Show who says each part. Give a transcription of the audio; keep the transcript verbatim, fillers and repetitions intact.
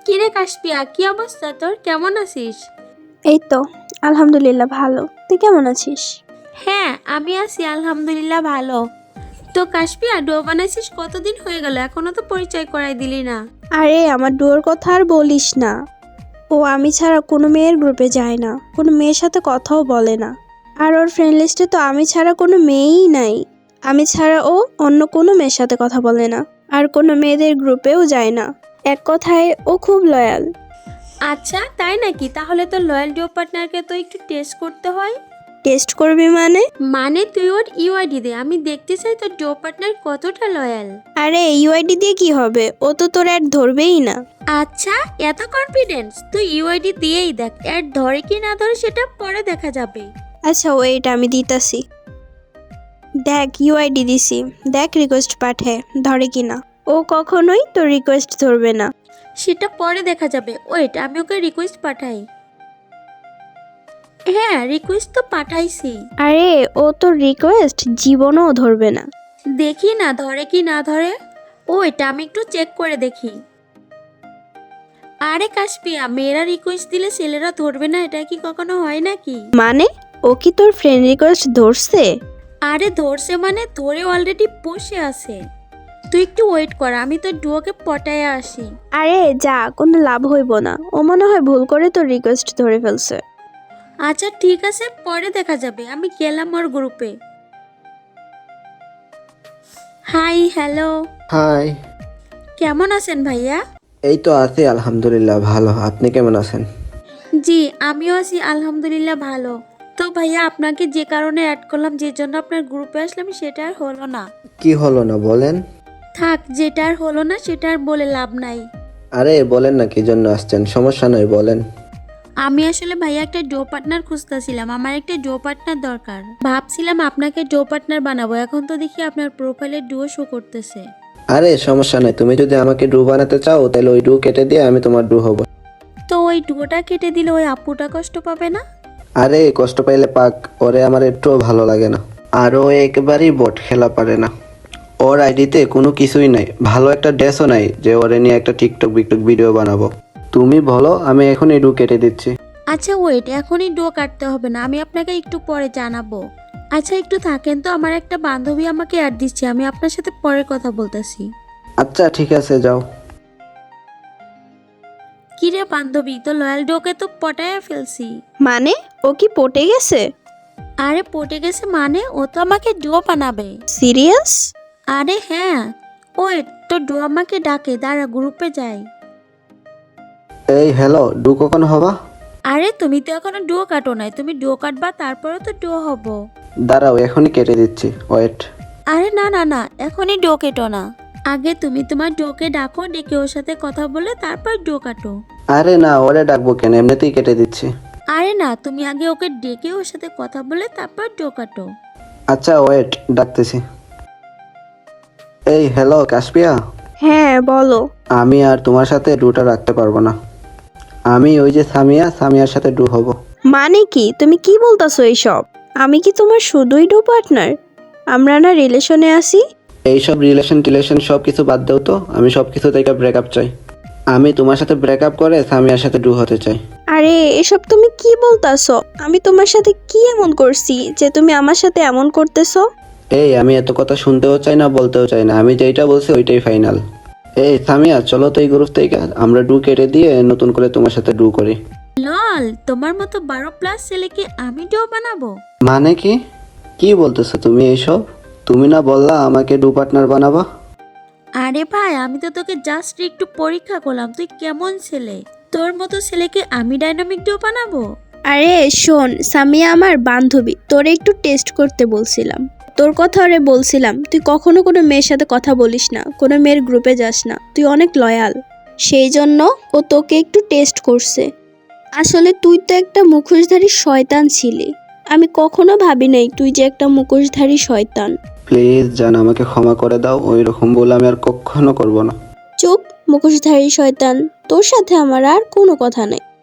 Speaker 1: কিরে কাশপিয়া, কি অবস্থা তোর? কেমন আছিস?
Speaker 2: এই তো আলহামদুলিল্লাহ ভালো। তুই কেমন আছিস?
Speaker 1: হ্যাঁ, আমি আছি আলহামদুলিল্লাহ ভালো। তো কাশপিয়া, ডো বানাইছিস কতদিন হয়ে গেল? এখনো তো পরিচয় করাই দিলি না।
Speaker 2: আরে আমার ডুয়োর কথা আর বলিস না। ও আমি ছাড়া কোনো মেয়ের গ্রুপে যায় না, কোনো মেয়ের সাথে কথাও বলে না। আর ওর ফ্রেন্ড লিস্টে তো আমি ছাড়া কোনো মেয়েই নাই। আমি ছাড়া ও অন্য কোনো মেয়ের সাথে কথা বলে না, আর কোনো মেয়েদের গ্রুপেও যায় না। এক কথায় ও খুব লয়াল।
Speaker 1: আচ্ছা তাই নাকি? তাহলে তো লয়াল ডো পার্টনারকে তো একটু টেস্ট করতে হয়।
Speaker 2: টেস্ট করবি মানে?
Speaker 1: মানে তুই ওর ইউআইডি দে, আমি দেখতে চাই তোর ডো পার্টনার কতটা লয়াল।
Speaker 2: আরে ইউআইডি দিয়ে কি হবে? ও তো তোর অ্যাড ধরবেই না।
Speaker 1: আচ্ছা, এত কনফিডেন্স? তুই ইউআইডি দিয়েই দেখ, অ্যাড ধরে কি না ধরে সেটা পরে দেখা যাবে।
Speaker 2: আচ্ছা ওয়েট, আমি দিতাছি। দেখ ইউআইডি দিছি, দেখ রিকোয়েস্ট পাঠে ধরে কিনা। ও কখনোই তোর রিকোয়েস্ট ধরবে না।
Speaker 1: সেটা পরে দেখা যাবে। ওয়েট, আমি ওকে রিকোয়েস্ট পাঠাই। হ্যাঁ, রিকোয়েস্ট তো পাঠাইছি।
Speaker 2: আরে ও তোর রিকোয়েস্ট জীবনও ধরবে না।
Speaker 1: দেখি না ধরে কি না ধরে। ওয়েট, আমি একটু চেক করে দেখি। আরে কাশপিয়া, মেয়েরা রিকোয়েস্ট দিলে ছেলেরা ধরবে না, এটা কি কখনো হয় নাকি?
Speaker 2: মানে ও কি তোর ফ্রেন্ড রিকোয়েস্ট ধরছে?
Speaker 1: আরে ধরছে মানে ধরে অলরেডি বসে আছে। তুই একটু ওয়েট কর, আমি তোর ডুয়োকে পটায় আসি।
Speaker 2: আরে যা, কোনো লাভ হইব না। ও মনে হয় ভুল করে তোর রিকোয়েস্ট ধরে ফেলছে।
Speaker 1: আচ্ছা ঠিক আছে, পরে দেখা যাবে। আমি গেলাম ওর গ্রুপে। Hi, hello.
Speaker 3: হাই।
Speaker 1: কেমন আছেন ভাইয়া?
Speaker 3: এই তো আছি আলহামদুলিল্লাহ ভালো। আপনি কেমন আছেন?
Speaker 1: জি, আমিও আছি আলহামদুলিল্লাহ ভালো। তো ভাইয়া, আপনাকে যে কারণে অ্যাড করলাম, যে জন্য আপনার গ্রুপে আসলাম, সেটা আর হলো না।
Speaker 3: কি হলো না বলেন?
Speaker 1: থাক, যেটা আর হলো না সেটা আর বলে লাভ নাই।
Speaker 3: আরে বলেন না কি জন্য আসছেন, সমস্যা নাই বলেন।
Speaker 1: আমি আসলে ভাইয়া একটা ডো পার্টনার খুঁজতেছিলাম, আমার একটা ডো পার্টনার দরকার। ভাবছিলাম আপনাকে ডো পার্টনার বানাবো, এখন তো দেখি আপনার প্রোফাইলে ডুও শো করতেছে।
Speaker 3: আরে সমস্যা নাই, তুমি যদি আমাকে ডু বানাতে চাও তাহলে ওই ডু কেটে দিয়ে আমি তোমার ডু হব।
Speaker 1: তো ওই ডুয়োটা কেটে দিলে ওই আপুটা কষ্ট পাবে না?
Speaker 3: আরে কষ্ট পাইলে পাক, ওরে আমার একটুও ভালো লাগে না। আর ও একেবারেই বট খেলা পারে না। ওর আইডিতে কোনো কিছুই নাই, ভালো একটা ড্রেসও নাই যে ওরে নিয়ে একটা টিকটক বিকটক ভিডিও বানাবো। তুমি বলো, আমি এখন এই ডু কেটে দিচ্ছি।
Speaker 1: আচ্ছা ওয়েট, এখনই ডো কাটতে হবে না, আমি আপনাকে একটু পরে জানাবো। আচ্ছা একটু থাকেন তো, আমার একটা বান্ধবী আমাকে অ্যাড দিচ্ছে, আমি আপনার সাথে পরে কথা বলতেছি।
Speaker 3: আচ্ছা ঠিক আছে, যাও।
Speaker 1: কিরে বান্ধবী, তো লয়াল ডোকে তো পটায় ফেলছি।
Speaker 2: মানে ও কি পটে গেছে?
Speaker 1: আরে পটে গেছে মানে ও তো আমাকে ডো বানাবে।
Speaker 2: সিরিয়াস?
Speaker 1: আরে হ্যাঁ। ওয়েট, তো ডো আমাকে ডাকে, দাঁড়া গ্রুপে যাই।
Speaker 3: এই হ্যালো, ডু কখন হবা?
Speaker 1: আরে তুমি তো এখনো ডো কাটো নাই, তুমি ডো কাটবা তারপরে তো ডো হব।
Speaker 3: দাঁড়াও এখনই কেটে দিচ্ছি, ওয়েট।
Speaker 1: আরে না না না, এখনই ডো কেটো না। আগে তুমি তোমার ডোকে ডাকো, ডেকে ওর সাথে কথা বলে তারপর ডো কাটো।
Speaker 3: আরে না, ওরে ডাকবো কেন, এমনিতেই কেটে দিচ্ছি।
Speaker 1: আরে না, তুমি আগে ওকে ডেকে ওর সাথে কথা বলে তারপর ডো কাটো।
Speaker 3: আচ্ছা ওয়েট, ডাকতেছি। এই হ্যালো কাশপিয়া,
Speaker 2: হ্যাঁ বলো।
Speaker 3: আমি আর তোমার সাথে ডুটা রাখতে পারবো না। আমি ওই যে সামিয়া, সামিয়ার সাথে ডু হব।
Speaker 2: মানে কি তুমি কি বলতাছো এইসব? আমি কি তোমার শুধুই ডু পার্টনার? আমরা না রিলেশনে আছি?
Speaker 3: এইসব রিলেশন টিলেশন সব কিছু বাদ দাও তো, আমি সব কিছু থেকে ব্রেকআপ চাই। আমি তোমার সাথে ব্রেকআপ করে সামিয়ার সাথে ডু হতে চাই।
Speaker 2: আরে এসব তুমি কি বলতাছো? আমি তোমার সাথে কি এমন করছি যে তুমি আমার সাথে এমন করতেছো?
Speaker 3: এই আমি এত কথা শুনতেও চাই না, বলতেও চাই না, আমি যেইটা বলছি ওইটাই ফাইনাল। এই সামিয়া, চলো তো এই গ্রুপ থেকে আমরা ডু কেটে দিয়ে নতুন করে তোমার সাথে ডু করি।
Speaker 1: লল, তোমার মতো বারো প্লাস ছেলেকে আমি ডো বানাবো?
Speaker 3: মানে কি কি বলতেছো তুমি এইসব? তুমি না বললা আমাকে ডু পার্টনার বানাবা?
Speaker 1: আরে ভাই, আমি তো তোকে জাস্ট একটু পরীক্ষা করলাম, তুই কেমন ছেলে। তোর মতো ছেলেকে আমি ডাইনামিক ডো বানাবো?
Speaker 2: আরে শোন সামিয়া আমার বান্ধবী, তোরে একটু টেস্ট করতে বলছিলাম। তোর কথা ওরে বলছিলাম তুই কখনো কোনো মেয়ের সাথে কথা বলিস না, কোনো মেয়ের গ্রুপে যাস না, তুই অনেক লয়াল। সেই জন্য ও তোকে একটু টেস্ট করছে। আসলে তুই তো একটা মুখোশধারী শয়তান ছিলি। আমি কখনো ভাবি নাই তুই যে একটা মুখোশধারী শয়তান।
Speaker 3: প্লিজ জান, আমাকে ক্ষমা করে দাও, ওই রকম বলে আমি আর কখনো করব না।
Speaker 2: চুপ মুখোশধারী শয়তান, তোর সাথে আমার আর কোনো কথা নাই।